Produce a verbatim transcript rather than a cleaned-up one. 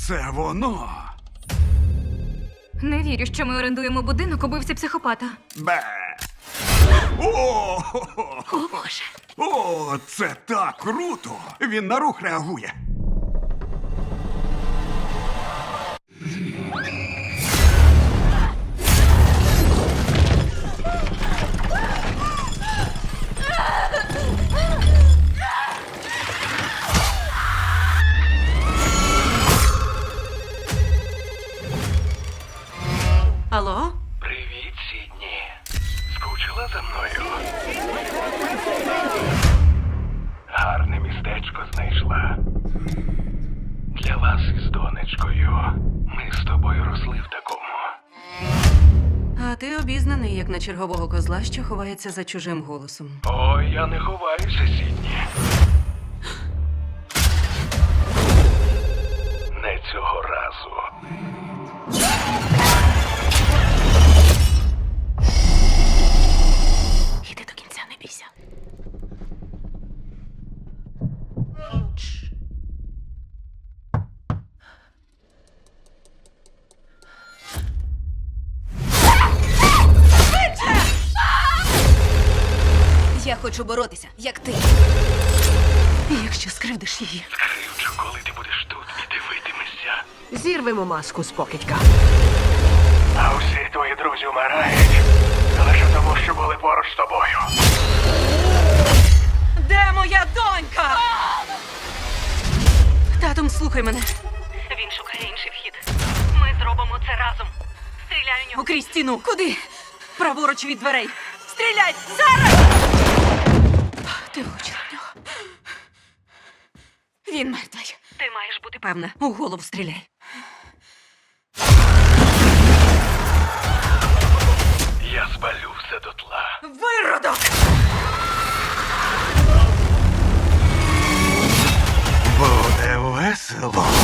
Це воно. Не вірю, що ми орендуємо будинок убивці психопата. Бе. О, О, Боже. О, це так круто! Він на рух реагує. Алло? Привіт, Сідні. Скучила за мною? Гарне містечко знайшла. Для вас із донечкою. Ми з тобою росли в такому. А ти обізнаний, як на чергового козла, що ховається за чужим голосом. Ой, я не ховаюся, Сідні. Не цього разу. Іди до кінця, не бійся. Я хочу боротися, як ти. І якщо скривдиш її, Скривчу, коли ти будеш тут і дивитимешся. Зірвемо маску з покидька. А усі твої друзі вмирають. Лише тому, що були поруч з тобою. де моя донька? Татом, слухай мене. Він шукає інший вхід. Ми зробимо це разом. Стріляй у нього. Крізь стіну. Куди? Праворуч від дверей. Стріляй! Зараз! Ти влучила в нього. Він мертвий. Ти маєш бути певна. У голову стріляй. Я спалю все дотла. Виродок! Буде весело.